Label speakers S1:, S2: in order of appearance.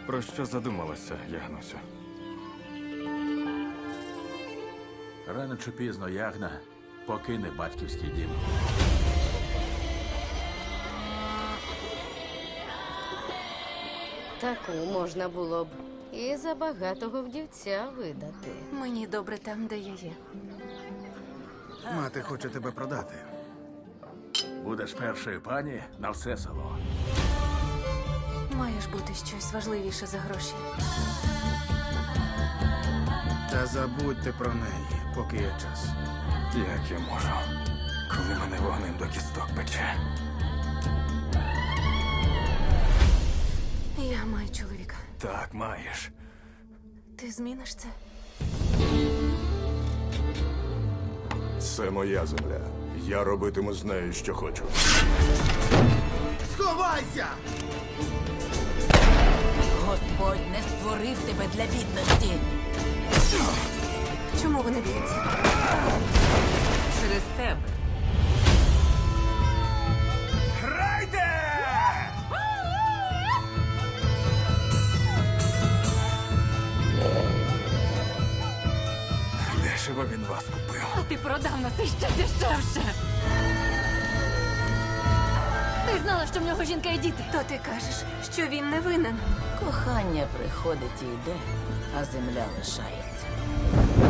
S1: Про що задумалася, Ягнусю?
S2: Рано чи пізно Ягна покине батьківський дім.
S3: Таку можна було б і за багатого вдівця видати.
S4: Мені добре там, де я є.
S5: Мати хоче тебе продати.
S2: Будеш першою пані на все село.
S4: Має ж бути щось важливіше за гроші.
S5: Та забудьте про неї, поки є час.
S1: Як я можу, коли мене вогнем до кісток пече?
S4: Я маю чоловіка.
S1: Так, маєш.
S4: Ти зміниш це?
S6: Це моя земля. Я робитиму з нею, що хочу.
S5: Сховайся!
S7: Господь не створив тебе для бідності.
S4: Чому вони б'ються?
S7: Через тебе.
S1: Дешево він вас купив.
S4: А ти продав нас іще дешевше. Ти знала, що в нього жінка і діти. То ти кажеш, що він не винен.
S7: Кохання приходить і йде, а земля лишається.